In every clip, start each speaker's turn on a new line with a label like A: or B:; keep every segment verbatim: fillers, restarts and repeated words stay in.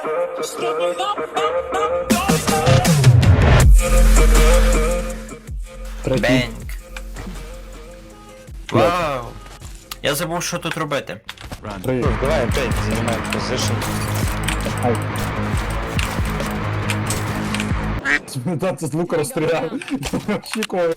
A: Бенк. Вау. Я забув, що тут робити.
B: Три.
C: Давай опять занимаем позишн.
B: Ай. Да, це з лука розстріляв. Очікував.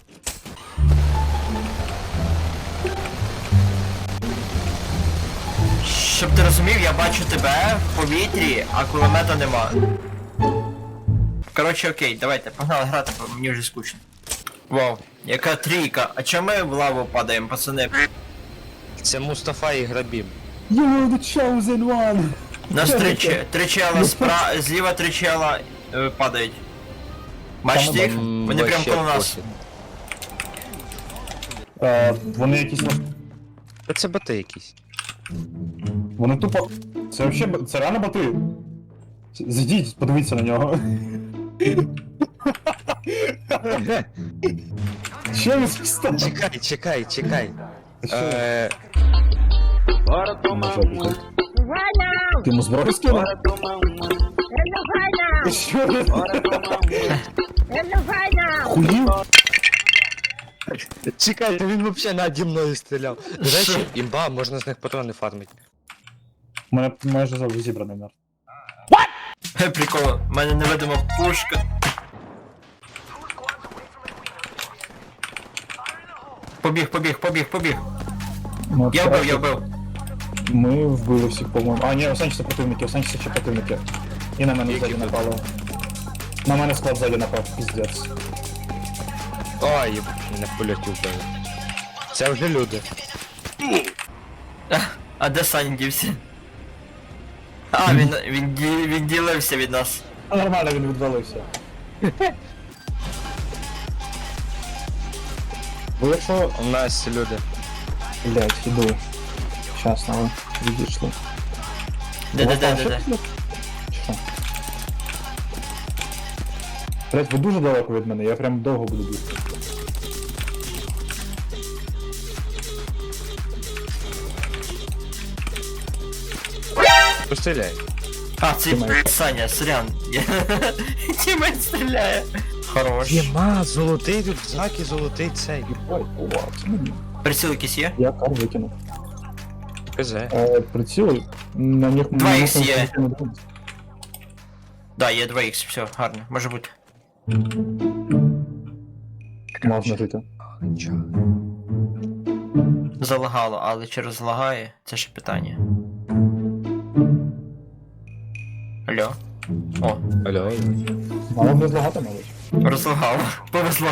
A: Щоб ти розумів, я бачу тебе в повітрі, а кулемета нема. Коротше, окей, давайте, погнали грати, бо мені вже скучно. Вау, яка трійка. А чому ми в лаву падаємо, пацани?
C: Це Мустафа і Грабіб.
B: You're the chosen one!
A: Нас три, че- три чела спра... зліва три чела е, падають. Бачите їх?
C: М,
A: Вони прям
C: вообще
A: коло нас.
C: похід.
B: Е, вони якісь... на-
C: Та це боти якісь.
B: Вони тупо... Це вообще... б- Це реально боти. Зайдіть, подивіться на нього. Що він став?
C: Чекай, чекай, чекай. Е,
B: Ти йому зброю скинув? Що він? Хуїв?
C: Чекай, та він вообще наді мною стріляв. До речі, імба, можна з них патрони фармити.
B: У мене майже завжди зібраний мер.
A: Хе, прикол, в мене невидима пушка. Побіг, побіг, побіг, побіг.
B: Ну,
A: Я
B: це-
A: вбив, я вбив.
B: Ми вбили всіх, по-моєму. А, ні, у Санчеса противники, у Санчеса ще противники. І на мене ззаді напало. На мене склад ззаді напав, піздець.
C: Ой, їб, мене в польоті вбили. Це вже люди.
A: А де Саня дівся? А, він, він, ді- він ділився від нас.
B: А нормально, він відвалився. Бо якщо...
C: У нас люди.
B: Блять, іду. Щас, але відійшли.
A: Де, де, де, де, де?
B: Що? Блять, ви дуже далеко від мене, я прям довго буду бігти.
C: Постріляй.
A: А, це
B: Тімейт.
A: Саня, сорян. Тімейт стріляє. Хорош.
C: Єма, золотий рюкзак і золотий цей.
B: Ой, увага, це мені.
A: Приціл якийсь є?
B: Я кар викинув.
C: ПЗ.
B: Е, приціли, на них...
A: Два
B: на
A: ікс
B: них
A: є.
B: ніхто не дивиться.
A: Да, є два ікс, все, гарно, може бути.
B: Можна жити.
A: Залагало, але чи розлагає, це ще питання. Алло? О,
C: Алло.
B: Мало не злагати, мабуть.
A: розлагало, повезло.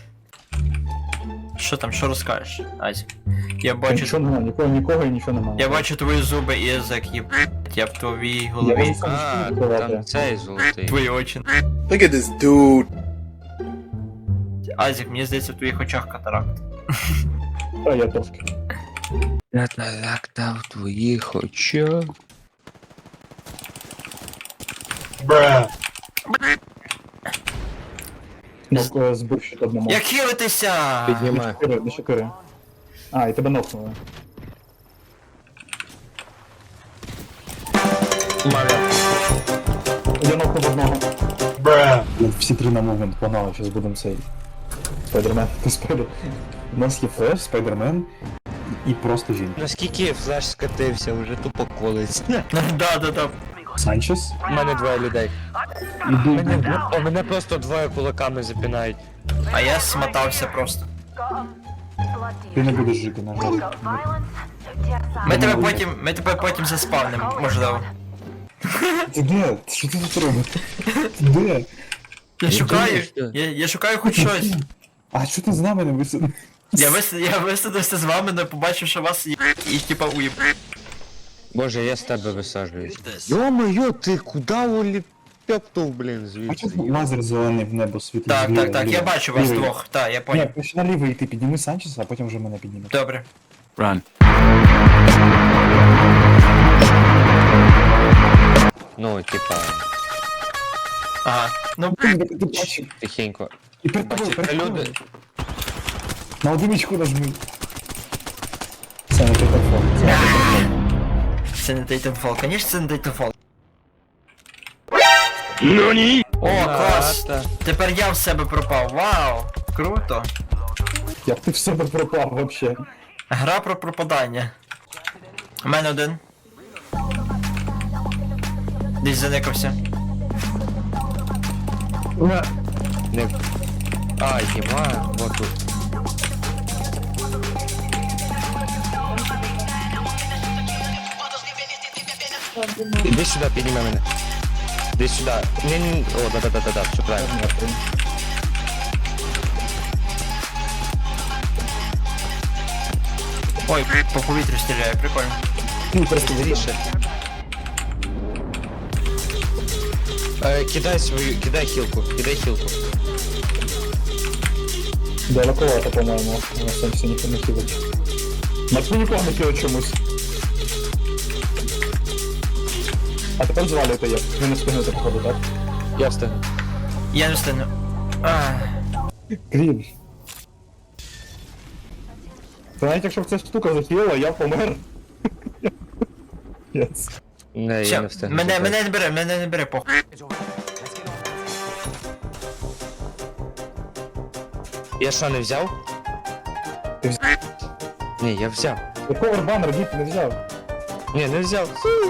A: Що там, що розкажеш, Азік? Я
B: Та
A: бачу,
B: Нічого немає, нікого, нікого і нічого немає.
A: я бачу твої зуби і язик, є, я в твоїй
B: Я
A: голові.
B: можу сам
C: А,
B: відкривати.
C: там цей золотий.
A: Твої очі.
D: Look at this dude.
A: Азік, мені здається, в твоїх очах катаракт.
B: Та я трошки.
C: Я так та в твоїх очах.
B: Ну, е, збив ще одному.
A: Як хилитися?
C: Піднімай.
B: Шокири, не шокири. А, і тебе нокнули. Я нокнув одного. Всі три на момент погнали, зараз будемо цей. Спайдермен. Ти спайдер. У нас є флеш, спайдермен і просто жінка.
C: Наскільки флеш скатився, вже тупо колись.
A: Да, да, да.
B: Санчес.
C: У мене двоє людей.
B: Іду.
C: Мене, а мене просто двоє кулаками запінають.
A: А я смотався просто.
B: Ти не будеш жити, на жаль.
A: Ми тебе потім, ми тебе потім заспавнимо, можливо.
B: Ти де? Що ти тут робиш? Ти де?
A: Я шукаю,
C: думаю, що-
A: я, я шукаю хоч щось.
B: А що ти з нами не висадив?
A: Я вис, я висадився з вами, не побачив, що вас є і типа уїб.
C: Боже, я з тебе висаджуюсь. Йо-моє, ти куди уліпептов, блін,
B: А чого
C: звідси?
B: лазер зелений в небо світить?
A: Так,
B: зліва,
A: так, так,
B: зліва?
A: я бачу вас
B: Лівий.
A: двох, так, я
B: Ні,
A: поняв.
B: почни наліво йти, підніми Санчеса, а потім вже мене підніме.
A: Добре.
C: Ну, типа,
A: Ага. Ну,
B: Ти бачиш?
C: тихенько.
B: І перед тобою,
C: Бачите,
B: перед
C: люди.
B: тобою. На одиничку нажми. Це не телефон.
A: це не Titanfall, конечно, це не Titanfall. О, клас!
C: Та.
A: Тепер я в себе пропав. Вау! Круто!
B: Як ти в себе пропав вообще?
A: Гра про пропадання. У мене один. Десь заникався.
C: Не... А, єма, вот тут. Іди сюди, підніми мене. Іди сюди. Ні, ні, о, да-да-да-да, все правильно.
A: Ой, по повітрю стріляє, прикольно.
C: Ну, просто виріше. Е, кидай свою, кидай хілку, кидай хілку.
B: Далековато, по-моєму. На сенсі ніхто не хілить. Матвій нікого не хілить чомусь. А тепер звалюєте як? Ви не встигнете походу, так?
C: Я встигну.
A: Я не встигну. Ах.
B: Крім. Це навіть якщо б ця штука захилила, я помер. Yes.
C: Не, я
A: Все,
C: не встигну.
A: мене,
C: забрати.
A: мене не бере, мене не бере, похуй.
C: Я що, не взяв?
B: Ти взяв?
C: Ні, я взяв.
B: Якого банер дід не взяв?
C: Ні, не взяв.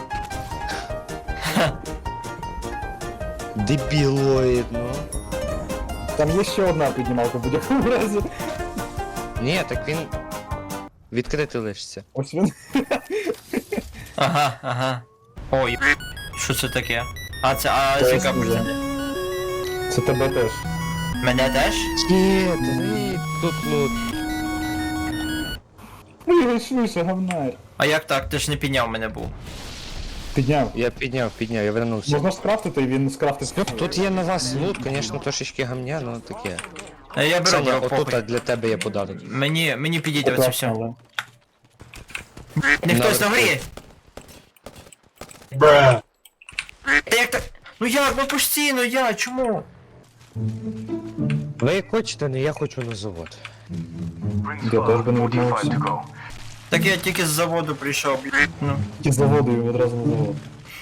C: Дебілоїд, ну.
B: Там є ще одна піднімалка в будь-якому разі.
C: Ні, так він відкритий лишиться.
B: Ось він.
A: Ага, ага. Ой, що це таке? А це, а
B: Це
A: це яка
B: вже.
A: процент?
B: Це тебе теж.
A: Мене теж?
C: Ні, ти тут, ну.
B: Ой, швидше, говнар.
A: А як так? Ти ж не підняв мене був.
B: Підняв.
C: Я підняв, підняв, я вернувся.
B: Можна ж скрафтити, і він скрафтить.
C: Тут є на вас лут, звісно, трошечки гамня, ну таке.
A: Е, Я беру,
C: Саня,
A: беру,
C: отут
A: похуй.
C: для тебе є подарунок.
A: Мені, мені підійде оце все.
B: Але.
A: Не хтось на
C: Наверху.
A: горі! Та як так? Ну як, ну постійно я, чому?
C: Ви як хочете, не я хочу на завод.
B: Я теж би не відмовився.
A: Так я тільки з заводу прийшов, блін. Ну.
B: Тільки з заводу і одразу на завод.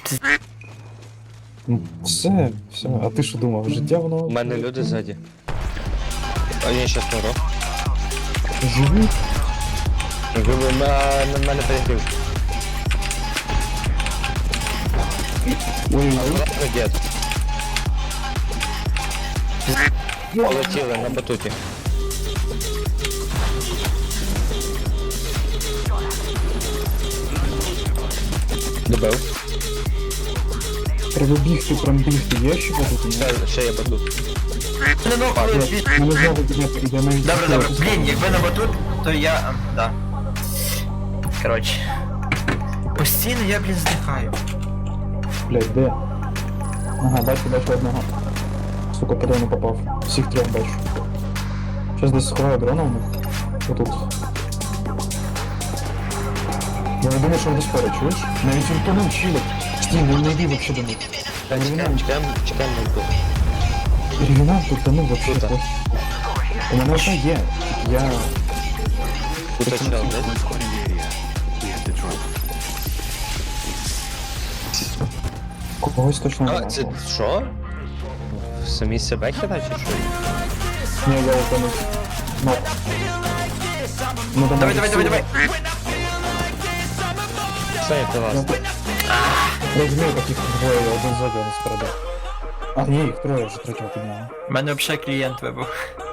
B: Ну, все, все. А ти що думав? Життя воно...
C: У мене люди ззаді. А я щас помру.
B: Живуть?
C: Ви на, на мене перегрів.
B: Ой,
C: Ну, дід. Полетіли на батуті. Добив.
B: треба бігти, прям бігти. Є ще тут? Ні?
C: Ще, ще є батут.
A: Ну, ну, але, блін.
B: Мене знову підняти, іде навіть...
A: Добре, добре. Блін, якби на батут, то я... а, Да. Коротше. Постійно я, блін, здихаю.
B: Блядь, де? Ага, бачу, бачу одного. Сука, куди не попав. Всіх трьох бачу. Щас десь сховаю дрона у них. Отут. Я не думаю, що вони спорять, чуєш? Навіть він тонув чилить. Стій, не не йди вообще до них.
C: Чекаємо, чекаємо, чекаємо на батут.
B: Ревінант тут тонув вообще.
C: Круто.
B: похуй. У мене вже є. Я...
C: Тут чел, да?
B: Когось точно
C: А,
B: немає.
C: це що? Самі себе хіда чи що?
B: Ні, я утонув. Ну. Ну,
A: Давай, давай, давай, давай.
C: Саня, ти вас.
B: Я розумію, таких двоє, один ззаді, один спереду. А, ні, їх троє вже третього підняли.
A: У мене взагалі клієнт вибув.